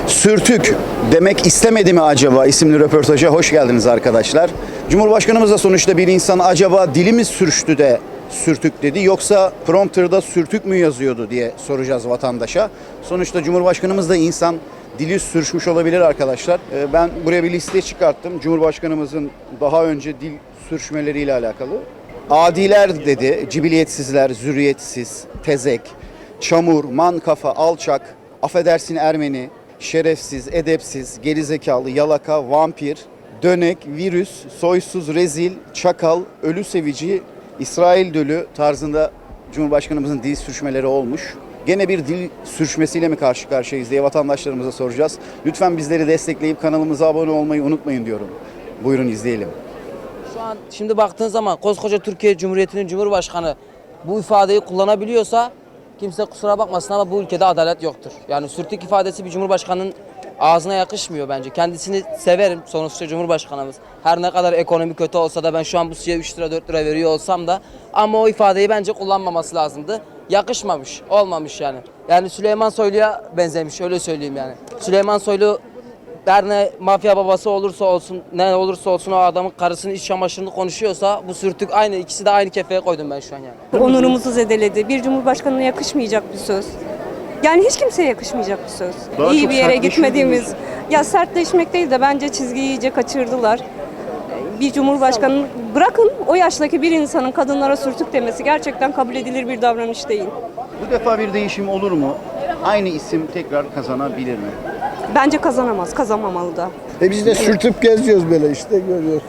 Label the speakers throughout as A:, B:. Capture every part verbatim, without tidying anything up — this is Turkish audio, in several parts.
A: Sürtük demek istemedi mi acaba isimli röportaja hoş geldiniz arkadaşlar. Cumhurbaşkanımız da sonuçta bir insan acaba dili mi sürçtü de sürtük dedi yoksa prompterda sürtük mü yazıyordu diye soracağız vatandaşa. Sonuçta Cumhurbaşkanımız da insan, dili sürçmüş olabilir arkadaşlar. Ben buraya bir liste çıkarttım. Cumhurbaşkanımızın daha önce dil sürçmeleriyle alakalı. Adiler dedi, cibiliyetsizler, zürriyetsiz, tezek, çamur, man kafa, alçak, affedersin Ermeni, şerefsiz, edepsiz, gerizekalı, yalaka, vampir, dönek, virüs, soysuz, rezil, çakal, ölü sevici, İsrail dölü tarzında Cumhurbaşkanımızın dil sürçmeleri olmuş. Gene bir dil sürçmesiyle mi karşı karşıyayız diye vatandaşlarımıza soracağız. Lütfen bizleri destekleyip kanalımıza abone olmayı unutmayın diyorum. Buyurun izleyelim.
B: Şu an şimdi baktığın zaman koskoca Türkiye Cumhuriyeti'nin Cumhurbaşkanı bu ifadeyi kullanabiliyorsa kimse kusura bakmasın ama bu ülkede adalet yoktur. Yani sürtük ifadesi bir Cumhurbaşkanının ağzına yakışmıyor bence. Kendisini severim sonuçta Cumhurbaşkanımız. Her ne kadar ekonomi kötü olsa da ben şu an bu suya üç lira dört lira veriyor olsam da ama o ifadeyi bence kullanmaması lazımdı. Yakışmamış, olmamış yani. Yani Süleyman Soylu'ya benzemiş öyle söyleyeyim yani. Süleyman Soylu her ne mafya babası olursa olsun, ne olursa olsun o adamın karısının iç çamaşırını konuşuyorsa bu sürtük aynı, ikisi de aynı kefeye koydum ben şu an yani.
C: Onurumuzu zedeledi. Bir cumhurbaşkanına yakışmayacak bir söz. Yani hiç kimseye yakışmayacak bir söz.
A: Daha
C: İyi
A: çok
C: bir yere
A: sertleşiyor
C: gitmediğimiz,
A: diyorsun.
C: ya sertleşmek değil de bence çizgiyi iyice kaçırdılar. Bir cumhurbaşkanı bırakın o yaştaki bir insanın kadınlara sürtük demesi gerçekten kabul edilir bir davranış değil.
A: Bu defa bir değişim olur mu? Aynı isim tekrar kazanabilir mi?
C: Bence kazanamaz, kazanmamalı da.
D: E biz de sürtüp geziyoruz böyle işte görüyoruz.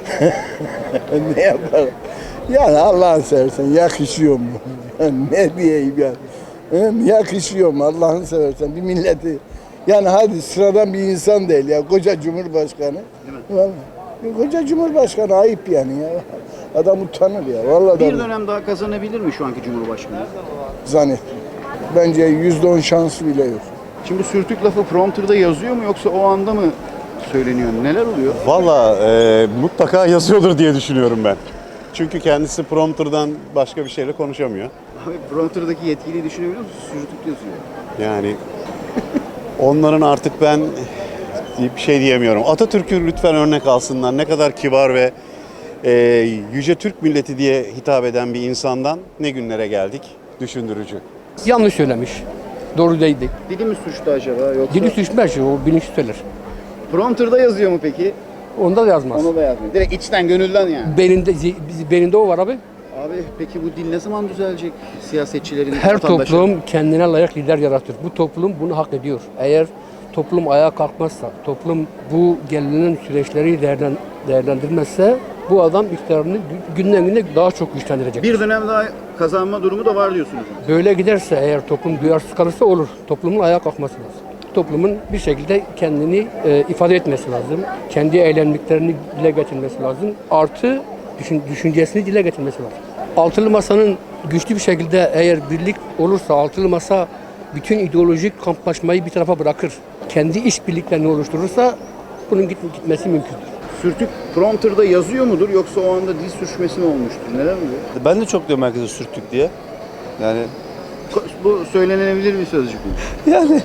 D: Ne yapalım? Yani Allah'ını seversen yakışıyor mu? Ne diyeyim yani? He, yakışıyor mu Allah'ını seversen bir milleti? Yani hadi sıradan bir insan değil ya koca cumhurbaşkanı. Vallahi. Koca cumhurbaşkanı ayıp yani ya. Adam utanır ya. Vallahi
A: Bir
D: da
A: dönem daha kazanabilir mi şu anki Cumhurbaşkanı?
D: zannet. Bence yüzde on şansı bile yok.
A: Şimdi sürtük lafı prompterda yazıyor mu yoksa o anda mı söyleniyor? Neler oluyor?
E: Valla e, mutlaka yazıyordur diye düşünüyorum ben. Çünkü kendisi prompterdan başka bir şeyle konuşamıyor.
A: Abi prompterdaki yetkiliyi düşünebiliyor musun? Sürtük yazıyor.
E: Yani onların artık ben bir şey diyemiyorum. Atatürk'ü lütfen örnek alsınlar. Ne kadar kibar ve e, yüce Türk milleti diye hitap eden bir insandan ne günlere geldik? Düşündürücü.
F: Yanlış söylemiş. Doğru değildi.
A: Dili mi suçlu acaba yoksa?
F: Dili suçmaz, o bilinç söyler.
A: Prompterda yazıyor mu peki?
F: Onda da yazmaz.
A: Onu da yazmıyor. Direkt içten gönülden yani.
F: Beyninde, beyninde o var abi.
A: Abi peki bu dil ne zaman düzelecek siyasetçilerin,
F: Her
A: vatandaşların?
F: toplum kendine layık lider yaratır. Bu toplum bunu hak ediyor. Eğer toplum ayağa kalkmazsa, toplum bu gelinen süreçleri değerlen, değerlendirmezse bu adam iktidarını günden güne daha çok güçlendirecek.
A: Bir dönem daha kazanma durumu da var diyorsunuz.
F: Böyle giderse eğer toplum duyarsız kalırsa olur. Toplumun ayağa kalkması lazım. Toplumun bir şekilde kendini e, ifade etmesi lazım. Kendi eylemliklerini dile getirmesi lazım. Artı düşün, düşüncesini dile getirmesi lazım. Altılı Masa'nın güçlü bir şekilde eğer birlik olursa Altılı Masa bütün ideolojik kamplaşmayı bir tarafa bırakır. Kendi işbirliklerini oluşturursa bunun git, gitmesi mümkündür.
A: Sürtük prompterda yazıyor mudur yoksa o anda dil sürçmesi mi olmuştur? Neler oluyor?
G: Ben de çok diyorum herkese sürttük diye. Yani
A: Bu söylenebilir bir sözcük mü?
G: yani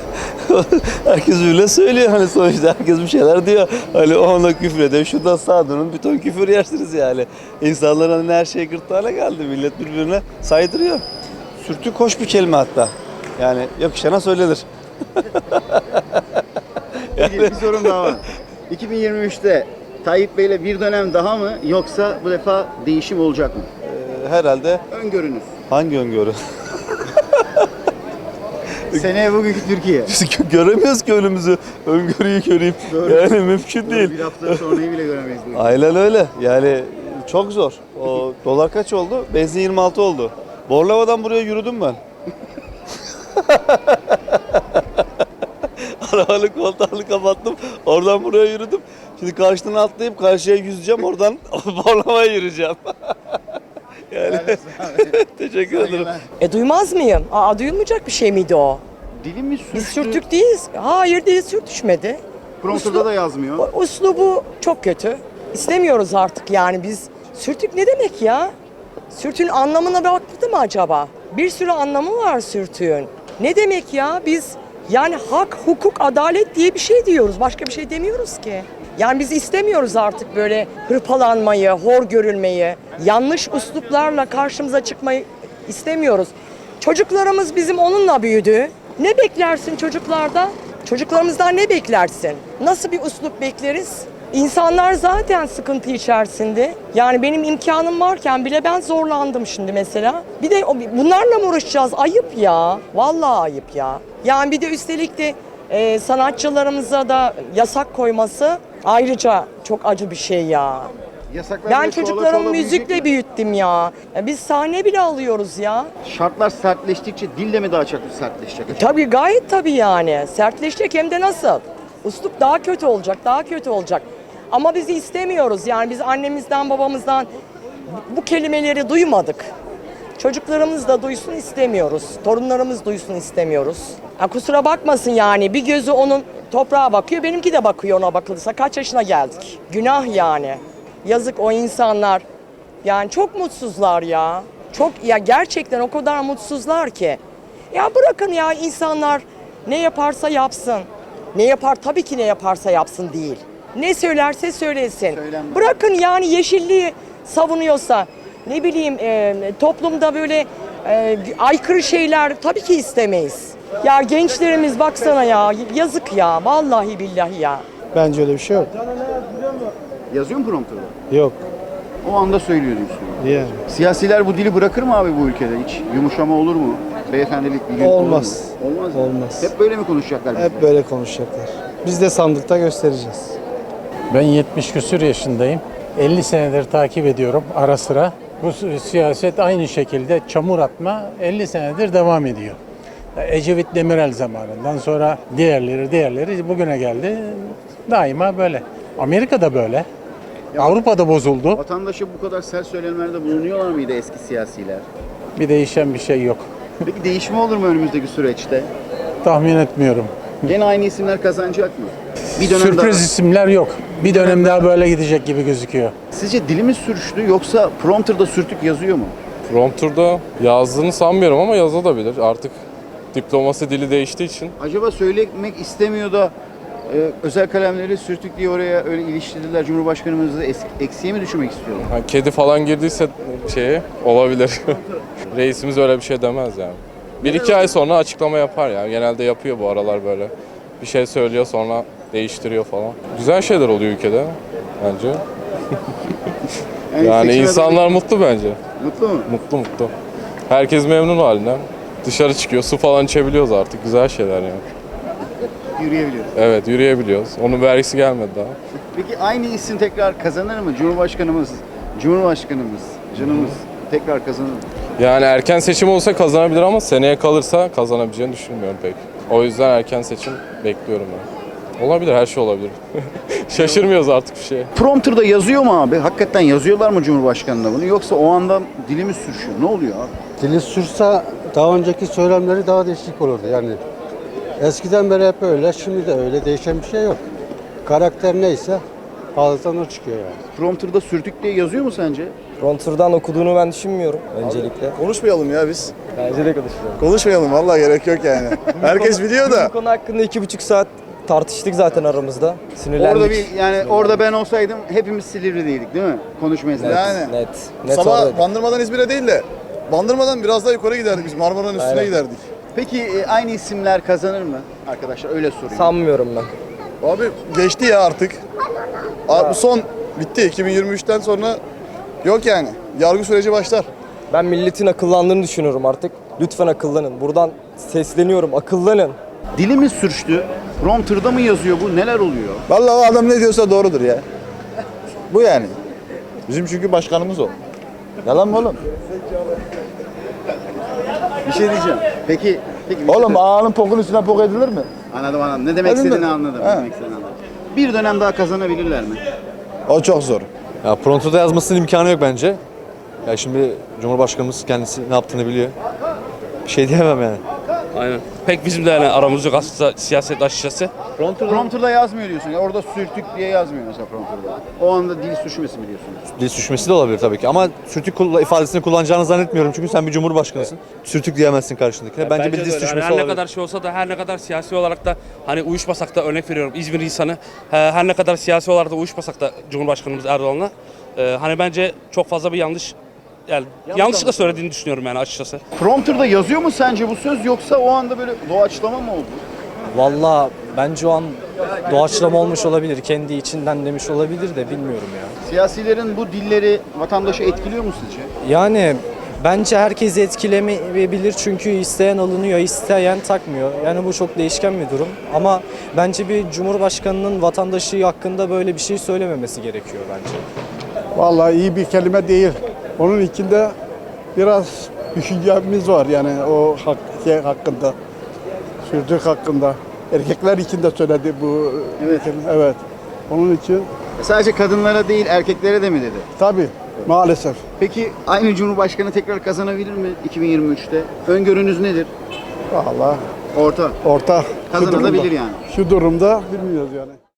G: herkes öyle söylüyor hani sonuçta herkes bir şeyler diyor. Hani o ona küfür ediyor. Şuradan sağa dönün bir ton küfür yersiniz yani. İnsanların hani her şey gırtlağına geldi. Millet birbirine saydırıyor. Sürtük hoş bir kelime hatta. Yani yakışana söylenir.
A: Peki, bir sorum daha var. iki bin yirmi üçte Tayyip Bey'le bir dönem daha mı yoksa bu defa değişim olacak mı?
G: Ee, herhalde
A: Öngörünüz.
G: hangi öngörü?
A: Seneye bugünkü Türkiye.
G: Biz göremiyoruz ki önümüzü. Öngörüyü göreyim.
A: Doğru.
G: Yani mümkün değil.
A: Bir hafta sonrayı bile göremeyiz. bu ülkede.
G: Aynen öyle. Yani çok zor. O dolar kaç oldu? Benzin yirmi altı oldu. Borlova'dan buraya yürüdüm ben. Arabanın koltuğunu kapattım. Oradan buraya yürüdüm. Şimdi karşıdan atlayıp karşıya yüzeceğim. Oradan Borlova'ya yürüyeceğim. Yani teşekkür ederim.
H: E duymaz mıyım? Aa duyulmayacak bir şey miydi o?
A: Dili mi sürçtü?
H: Biz sürtük değiliz. Hayır değil sürtüşmedi.
A: Prompterda da yazmıyor.
H: O- Uslubu çok kötü. İstemiyoruz artık yani biz. Sürtük ne demek ya? Sürtüğün anlamına baktı mı acaba? Bir sürü anlamı var sürtüğün. Ne demek ya? Biz Yani hak, hukuk, adalet diye bir şey diyoruz. Başka bir şey demiyoruz ki. Yani biz istemiyoruz artık böyle hırpalanmayı, hor görülmeyi, yanlış üsluplarla karşımıza çıkmayı istemiyoruz. Çocuklarımız bizim onunla büyüdü. Ne beklersin çocuklarda? Çocuklarımızdan ne beklersin? Nasıl bir üslup bekleriz? İnsanlar zaten sıkıntı içerisinde. Yani benim imkanım varken bile ben zorlandım şimdi mesela. Bir de bunlarla mı uğraşacağız? Ayıp ya. Vallahi ayıp ya. Yani bir de üstelik de e, sanatçılarımıza da yasak koyması ayrıca çok acı bir şey ya.
A: Yasaklar
H: Ben
A: böyle çoğala
H: çocuklarımı
A: çoğala büyüyecek
H: müzikle
A: mi?
H: büyüttüm ya. Ya biz sahne bile alıyoruz ya.
A: Şartlar sertleştikçe dil de mi daha çok sertleşecek?
H: Tabii gayet tabii yani. Sertleşecek hem de nasıl? Üslup daha kötü olacak, daha kötü olacak. Ama bizi istemiyoruz. Yani biz annemizden, babamızdan bu kelimeleri duymadık. Çocuklarımız da duysun istemiyoruz. Torunlarımız duysun istemiyoruz. Ha, kusura bakmasın yani. Bir gözü onun toprağa bakıyor, benimki de bakıyor ona bakılırsa. Kaç yaşına geldik? Günah yani. Yazık o insanlar. Yani çok mutsuzlar ya. Çok ya gerçekten o kadar mutsuzlar ki. Ya bırakın ya insanlar ne yaparsa yapsın. Ne yapar tabii ki ne yaparsa yapsın değil. Ne söylerse söylesin.
A: Söylenmez.
H: Bırakın yani yeşilliği savunuyorsa ne bileyim e, toplumda böyle e, aykırı şeyler tabii ki istemeyiz. Ya gençlerimiz baksana ya yazık ya vallahi billahi ya.
I: Bence öyle bir şey yok.
A: Yazıyor mu prompterda?
I: Yok.
A: O anda söylüyor diyorsun.
I: Yani.
A: Siyasiler bu dili bırakır mı abi bu ülkede hiç? Yumuşama olur mu? Beyefendilik bir gün
I: Olmaz.
A: olur mu? Olmaz mı?
I: Olmaz.
A: Hep böyle mi konuşacaklar bizle?
I: Hep böyle konuşacaklar. Biz de sandıkta göstereceğiz.
J: Ben yetmiş küsur yaşındayım. elli senedir takip ediyorum ara sıra. Bu siyaset aynı şekilde çamur atma elli senedir devam ediyor. Ecevit Demirel zamanından sonra diğerleri diğerleri bugüne geldi. Daima böyle. Amerika'da böyle. Avrupa'da bozuldu.
A: Vatandaşa bu kadar sert söylemlerde bulunuyorlar mıydı eski siyasiler?
J: Bir değişen bir şey yok.
A: Peki değişme olur mu önümüzdeki süreçte?
J: Tahmin etmiyorum.
A: Gene aynı isimler kazanacak mı? Bir dönem
J: Sürpriz
A: daha.
J: isimler yok. Bir dönem daha böyle gidecek gibi gözüküyor.
A: Sizce dilimiz sürçtü yoksa prompterda sürtük yazıyor mu?
K: Prompter'da yazdığını sanmıyorum ama yazabilir. Artık diplomasi dili değiştiği için.
A: Acaba söylemek istemiyor da e, özel kalemleri sürtük diye oraya öyle iliştirdiler. Cumhurbaşkanımızı es- eksiye mi düşürmek istiyorlar?
K: Yani kedi falan girdiyse şeye olabilir. Reisimiz öyle bir şey demez yani. Bir iki ay sonra açıklama yapar yani. Genelde yapıyor bu aralar böyle. Bir şey söylüyor sonra değiştiriyor falan. Güzel şeyler oluyor ülkede bence. Yani
A: seçime
K: insanlar mutlu bence.
A: doğru- Mutlu mu?
K: Mutlu mutlu. Herkes memnun halinden. Dışarı çıkıyor, su falan içebiliyoruz artık. Güzel şeyler yani.
A: Yürüyebiliyoruz.
K: Evet, yürüyebiliyoruz. Onun vergisi gelmedi daha.
A: Peki aynı isim tekrar kazanır mı? Cumhurbaşkanımız, Cumhurbaşkanımız, canımız tekrar kazanır mı?
K: Yani erken seçim olsa kazanabilir ama seneye kalırsa kazanabileceğini düşünmüyorum pek. O yüzden erken seçim bekliyorum ben. Olabilir, her şey olabilir. Şaşırmıyoruz artık bir şeye.
A: Prompter'da yazıyor mu abi? Hakikaten yazıyorlar mı Cumhurbaşkanı'na bunu? Yoksa o anda dilimiz sürüşüyor. Ne oluyor abi?
I: Dili sürse daha önceki söylemleri daha değişik olurdu yani. Eskiden beri hep öyle, şimdi de öyle, değişen bir şey yok. Karakter neyse ağızdan o çıkıyor yani.
A: Prompter'da sürtük diye yazıyor mu sence?
L: Prompter'dan okuduğunu ben düşünmüyorum öncelikle.
M: Konuşmayalım ya biz.
L: Bence de konuşuyorum.
M: Konuşmayalım vallahi gerek yok yani. Herkes biliyor da.
L: Bu konu hakkında iki buçuk saat tartıştık zaten aramızda. Sinirlendik.
A: Orada bir yani orada ben olsaydım hepimiz Silivri'deydik değil mi? Konuşma
L: Net,
A: esnasında.
M: Yani.
L: net. Net
M: Sabah
L: oradaydık.
M: Bandırmadan İzmir'e değil de Bandırmadan biraz daha yukarı giderdik biz. Marmara'nın üstüne
L: Aynen.
M: giderdik.
A: Peki e, aynı isimler kazanır mı? Arkadaşlar öyle sorayım.
L: Sanmıyorum ben.
M: Abi geçti ya artık. Abi, bu son bitti. iki bin yirmi üçten sonra yok yani. Yargı süreci başlar.
L: Ben milletin akıllandığını düşünüyorum artık. Lütfen akıllanın. Buradan sesleniyorum. Akıllanın.
A: Dilimiz sürçtü. Prompter'da mı yazıyor bu? Neler oluyor?
M: Vallahi o adam ne diyorsa doğrudur ya. Bu yani. Bizim çünkü başkanımız o. Yalan mı oğlum?
A: Bir şey diyeceğim. Peki, peki bir şey
M: Oğlum
A: söyle-
M: ağanın pokun üstüne pok edilir mi?
A: Anladım anladım. Ne demek
M: Anladın
A: istediğini
M: mı?
A: anladım. Ne
M: Ha.
A: demek istediğini anladım. Bir dönem daha kazanabilirler mi?
M: O çok zor.
G: Ya Pronto'da yazmasının imkanı yok bence. Ya şimdi Cumhurbaşkanımız kendisi ne yaptığını biliyor. Bir şey diyemem yani.
N: Aynen. Pek bizim de yani aramız yok aslında siyaset açıkçası.
A: Prompter'da yazmıyor diyorsun. Ya orada sürtük diye yazmıyor mesela prompter'da. O anda dil sürçmesi mi diyorsunuz?
O: Dil sürçmesi de olabilir tabii ki ama sürtük kulla- ifadesini kullanacağını zannetmiyorum çünkü sen bir cumhurbaşkanısın. Sürtük diyemezsin karşındakine. Bence, bir dil
N: de öyle.
O: sürçmesi
N: Yani her
O: olabilir.
N: ne kadar şey olsa da her ne kadar siyasi olarak da hani uyuşmasak da örnek veriyorum İzmir insanı he- her ne kadar siyasi olarak da uyuşmasak da Cumhurbaşkanımız Erdoğan'la e, hani bence çok fazla bir yanlış yani yanlışlıkla söylediğini düşünüyorum yani açıkçası.
A: Prompter'da yazıyor mu sence bu söz yoksa o anda böyle doğaçlama mı oldu?
L: Valla bence o an doğaçlama olmuş olabilir. Kendi içinden demiş olabilir de bilmiyorum ya.
A: Siyasilerin bu dilleri vatandaşı etkiliyor mu sizce?
L: Yani bence herkesi etkilemeyebilir çünkü isteyen alınıyor, isteyen takmıyor. Yani bu çok değişken bir durum. Ama bence bir cumhurbaşkanının vatandaşı hakkında böyle bir şey söylememesi gerekiyor bence.
D: Vallahi iyi bir kelime değil. Onun içinde biraz düşüncemiz var yani o hak, şey hakkında. Sürtük hakkında. Erkekler için de söyledi bu.
A: Evet.
D: Evet. Onun için
A: Sadece kadınlara değil erkeklere de mi dedi?
D: tabii maalesef.
A: Peki aynı Cumhurbaşkanı tekrar kazanabilir mi iki bin yirmi üçte? Öngörünüz nedir?
D: Vallahi
A: Orta.
D: orta. Şu
A: Kazanabilir
D: durumda-
A: yani.
D: Şu durumda bilmiyoruz yani.